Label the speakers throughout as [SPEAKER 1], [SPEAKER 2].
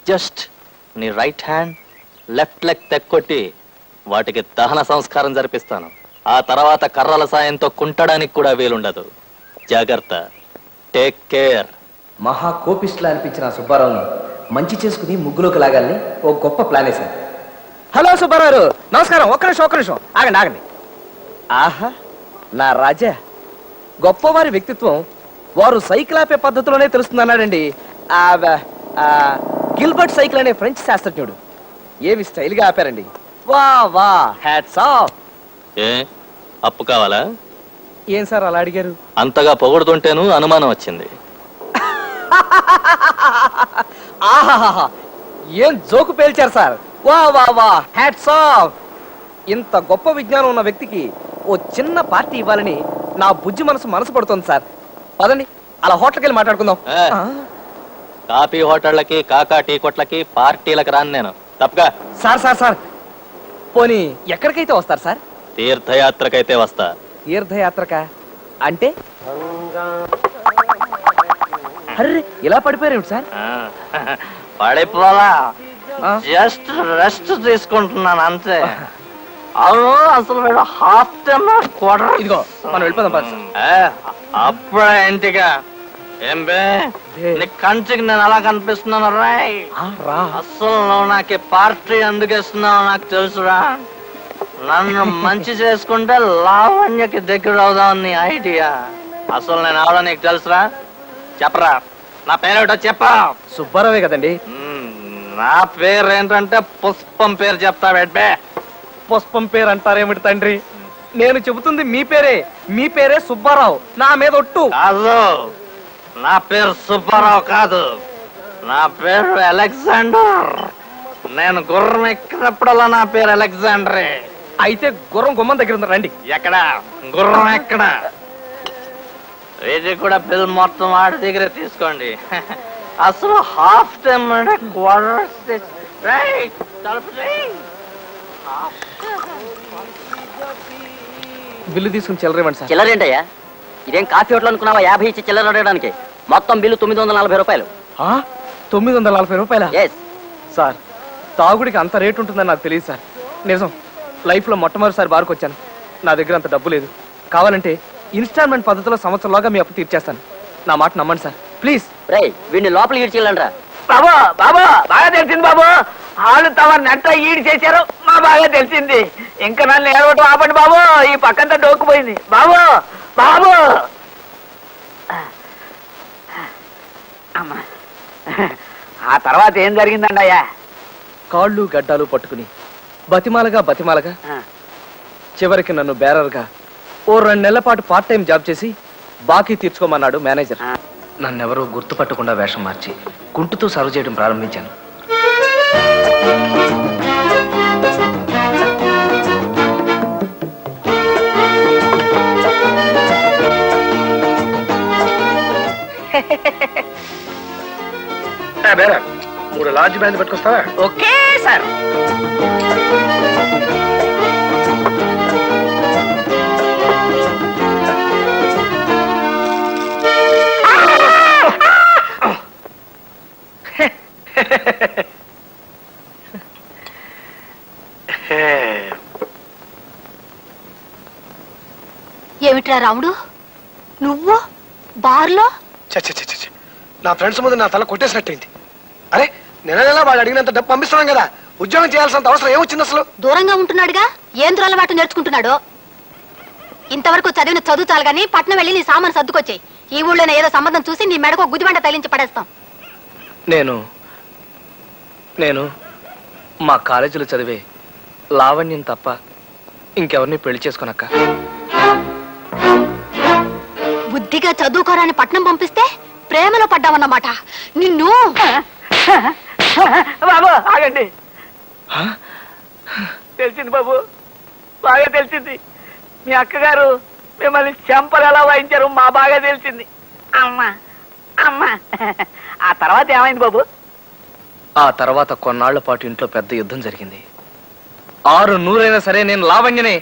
[SPEAKER 1] Just నీ right hand left leg తెక్కొట్టి వాటికి దహన సంస్కారం జరిపిస్తాను. ఆ తర్వాత కర్రల సాయంతో కుంటడానికి కూడా వీలుండదు. జాగ్రత్త. Take care.
[SPEAKER 2] మహా కోపిస్టులా అనిపించిన సుబ్బారావుని మంచి చేసుకుని ముగ్గులోకి లాగాలని ఓ గొప్ప ప్లాన్ వేశాను. హలో సుబ్బారావు, నమస్కారం. ఒక్క నిమిషం ఆగండి. ఆహా, నా రాజా, గొప్పవారి వ్యక్తిత్వం వారు సైకిల్ ఆపే పద్ధతిలోనే తెలుస్తుందన్నాడండి గిల్బర్ట్ సైకిల్ అనే ఫ్రెంచ్ శాస్త్రజ్ఞుడు. ఏమి స్టైల్ గా ఆపారండి. వా హ్యాట్స్ ఆఫ్.
[SPEAKER 1] ఏ అప్పు కావాలా?
[SPEAKER 2] ఏం సార్ అలా అడిగారు?
[SPEAKER 1] అంతగా పొగుడుతుంటేను అనుమానం వచ్చింది.
[SPEAKER 2] ఆహాహా, ఏం జోకు పేల్చారు సార్. వా హ్యాట్స్ ఆఫ్. ఇంత గొప్ప విజ్ఞానం ఉన్న వ్యక్తికి ఓ చిన్న పార్టీ ఇవ్వాలని నా బుజ్జి మనసు పడుతుంది సార్. పదండి, అలా హోటల్కి వెళ్ళి మాట్లాడుకుందాం.
[SPEAKER 1] కాఫీ హోటళ్ళకి, కాకా టీ కొట్లకి, పార్టీలకు రాను నేను. తప్పగా.
[SPEAKER 2] సార్ పోనీ ఎక్కడికైతే వస్తారు సార్?
[SPEAKER 1] తీర్థయాత్రకైతే వస్తా.
[SPEAKER 2] తీర్థయాత్రక అంటే? అర్రే, ఇలా పడిపోయారు సార్?
[SPEAKER 1] పడిపోలా, జస్ట్ రెస్ట్ తీసుకుంటున్నాను అంతే. అవును, అసలు హాఫ్ టైమ్ క్వార్టర్.
[SPEAKER 2] ఇదిగో మనం వెళ్ళిపోదాం.
[SPEAKER 1] అప్పుడే ఇంటిగా ఏం బే, నీ కంటికి నేను అలా కనిపిస్తున్నాను రాయ్. అసలు నువ్వు నాకు పార్టీ ఎందుకు ఇస్తున్నావు నాకు తెలుసురా. నన్ను మంచి చేసుకుంటే లావణ్యకి దగ్గర అవుదాం నీ ఐడియా. అసలు నేను అవడా నీకు తెలుసురా? చెప్పరా, నా పేరేటో చెప్పా.
[SPEAKER 2] సుబ్బారావే కదండి.
[SPEAKER 1] నా పేరు ఏంటంటే పుష్పం పేరు చెప్తా బెడ్బే.
[SPEAKER 2] పుష్పం పేరు అంటారేమిటి తండ్రి? నేను చెబుతుంది మీ పేరే సుబ్బారావు. నా మీద ఒట్టు.
[SPEAKER 1] కాదు, నా పేరు సుబ్బారావు కాదు, నా పేరు అలెగ్జాండర్. నేను గుర్రం ఎక్కినప్పుడల్లా నా పేరు అలెగ్జాండరే.
[SPEAKER 2] అయితే గుర్రం గుమ్మం దగ్గర ఉంది, రండి.
[SPEAKER 1] ఎక్కడ గుర్రం? ఎక్కడ? ఇది కూడా బిల్ మొత్తం వాడి దగ్గర తీసుకోండి. అసలు హాఫ్ టైం అంటే క్వార్టర్.
[SPEAKER 2] బిల్లు తీసుకుని చిల్లరేమండి సార్.
[SPEAKER 3] చిల్లరేంటయ్యా? ఇదేం కాఫీ హోటల్ అనుకున్నావా? 50 ఇచ్చి చిల్లర అడగడానికి. మొత్తం బిల్లు 940 రూపాయలు.
[SPEAKER 2] 940 రూపాయల?
[SPEAKER 3] ఎస్
[SPEAKER 2] సార్, తాగుడికి అంత రేటు ఉంటుందని నాకు తెలియదు సార్. నిజం, లైఫ్ లో మొట్టమొదటిసారి బార్కు వచ్చాను. నా దగ్గర అంత డబ్బు లేదు. కావాలంటే ఇన్స్టాల్మెంట్ పద్ధతిలో సంవత్సరంలోగా మీ అప్పు తీర్చేస్తాను. నా మాట నమ్మండి సార్, ప్లీజ్.
[SPEAKER 3] రేయ్, వీడిని లోపలికి ఈడ్చిల్లండ్రా.
[SPEAKER 4] బాబు బాగా తెలిసింది బాబు. వాళ్ళు తమ నెట్ట ఈడు చేశారు, మా బాగా తెలిసింది. ఇంకా నన్ను ఏడవటం ఆపండి బాబు. ఈ పక్కంతా డోక్కుపోయింది బాబు. అమ్మా, ఆ తర్వాత ఏం జరిగిందండి అయ్యా?
[SPEAKER 2] కాళ్ళు గడ్డాలు పట్టుకుని బతిమాలగా చివరికి నన్ను బేరర్గా ఓ 2 నెలల పాటు పార్ట్ టైం జాబ్ చేసి బాకీ తీర్చుకోమన్నాడు మేనేజర్. నన్నెవరూ గుర్తుపట్టకుండా వేషం మార్చి కుంటుతో సర్వ్ చేయడం ప్రారంభించాను.
[SPEAKER 5] బేరా 3 లార్జ్ బ్యాండ్ పట్టుకొస్తావా?
[SPEAKER 4] Okay sir.
[SPEAKER 6] ఏమిట్రా రాముడు, నువ్వు బార్లో?
[SPEAKER 5] నా ఫ్రెండ్స్ ముందు నా తల కొట్టేసినట్టయింది. అరే, నెల వాడు అడిగినంత డబ్బు పంపిస్తున్నాం కదా, ఉద్యోగం చేయాల్సినంత అవసరం ఏమొచ్చింది అసలు?
[SPEAKER 6] దూరంగా ఉంటున్నాడుగా, ఏం దురలవాటు నేర్చుకుంటున్నాడు. ఇంతవరకు చదివిన చదువు చాలు గానీ పట్నం వెళ్ళి నీ సామాను సర్దుకొచ్చాయి. ఈ ఊళ్ళోనే ఏదో సంబంధం చూసి నీ మెడకు గుదిబండ తగిలించి పడేస్తాం.
[SPEAKER 2] నేను మా కాలేజీలో చదివే లావణ్యం తప్ప ఇంకెవరిని పెళ్లి చేసుకోనక్క.
[SPEAKER 6] బుద్ధిగా చదువుకోరాని పట్నం పంపిస్తే ప్రేమలో పడ్డావన్నమాట. నిన్ను
[SPEAKER 4] బాబు ఆగండి. తెలిసింది బాబు, బాగా తెలిసింది. మీ అక్కగారు మిమ్మల్ని చెంపలు ఎలా వాయించారు మా బాగా తెలిసింది. అమ్మా. ఆ తర్వాత ఏమైంది బాబు?
[SPEAKER 2] ఆ తర్వాత కొన్నాళ్ల పాటు ఇంట్లో పెద్ద యుద్ధం జరిగింది. 600 సరే నేను లావణ్యనే.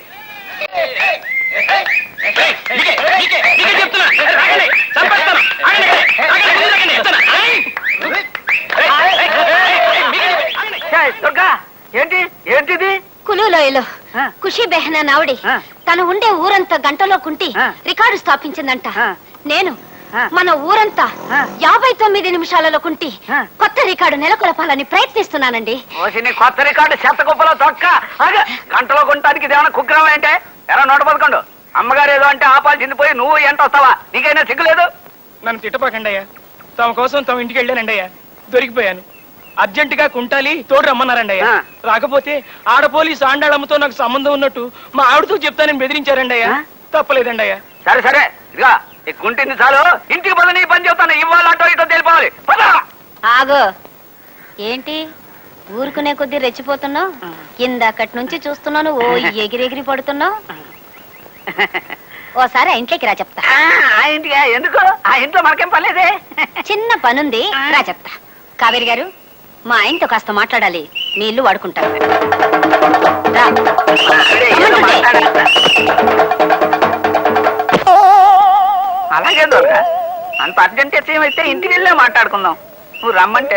[SPEAKER 4] ఏంటి ఏంటిది
[SPEAKER 6] కులులోయలో
[SPEAKER 4] ఆ.
[SPEAKER 6] ఖుషి బెహనా నావుడి
[SPEAKER 4] ఆ.
[SPEAKER 6] తను ఉండే ఊరంతా గంటలో కుంటి
[SPEAKER 4] ఆ.
[SPEAKER 6] రికార్డు స్థాపించిందంట
[SPEAKER 4] ఆ.
[SPEAKER 6] నేను
[SPEAKER 4] ఆ.
[SPEAKER 6] మన ఊరంతా
[SPEAKER 4] ఆ.
[SPEAKER 6] 59 నిమిషాలలో కుంటి
[SPEAKER 4] ఆ.
[SPEAKER 6] కొత్త రికార్డు నెలకొల్పాలని ప్రయత్నిస్తున్నానండి.
[SPEAKER 4] ఓసిని కొత్త రికార్డు చెత్త కుప్పలో తొక్క అదే గంటలో కొనడానికి ఇదేమన్నా కుగ్రహం ఏంటే ఎలా 111 అమ్మగారు ఏదో అంటే ఆపాల్సింది పోయి నువ్వు ఏంట వస్తావా నీకైనా సిగ్గులేదు
[SPEAKER 7] నన్ను తిట్టపాకండి అయ్యా తమ కోసం తమ ఇంటికి వెళ్ళానండి అయ్యా దొరికిపోయాను అర్జెంటుగా కుంటాలి తోడు రమ్మన్నారండి అయ్యా
[SPEAKER 4] ఆ.
[SPEAKER 7] రాకపోతే ఆడ పోలీసు ఆండాళమ్మతో నాకు సంబంధం ఉన్నట్టు మా ఆవిడతో చెప్తానని బెదిరించారండి అయ్యా
[SPEAKER 4] ఆ?
[SPEAKER 7] తప్పలేదండి అయ్యా
[SPEAKER 4] సరే సరే ఇదిగా ఈ కుంటింది చాలు ఇంటికి పద నీ పని చెప్తాను ఇవాళ అటో ఇటో తెలిపోవాలి పద
[SPEAKER 6] ఆగో ఏంటి ఊరుకునే కొద్దీ రెచ్చిపోతున్నావు? ఇందాకటి నుంచి చూస్తున్నాను ఓ ఎగిరెగిరి పడుతున్నావు. ఓసారి ఆ ఇంట్లోకి రా చెప్తా.
[SPEAKER 4] ఆ ఇంటికి ఎందుకు ఆ ఇంట్లో మనకేం పర్లేదే
[SPEAKER 6] చిన్న పనుంది రా చెప్తా. కావేరి గారు మా ఆయనతో కాస్త మాట్లాడాలి, మీ ఇల్లు వాడుకుంటారు. రా.
[SPEAKER 4] ఆవిడే ఏదో మాట్లాడేస్తా. అలాగే దొరక అంత అర్జెంట్ అయితే ఇంటికి వెళ్ళే మాట్లాడుకుందాం నువ్వు రమ్మంటే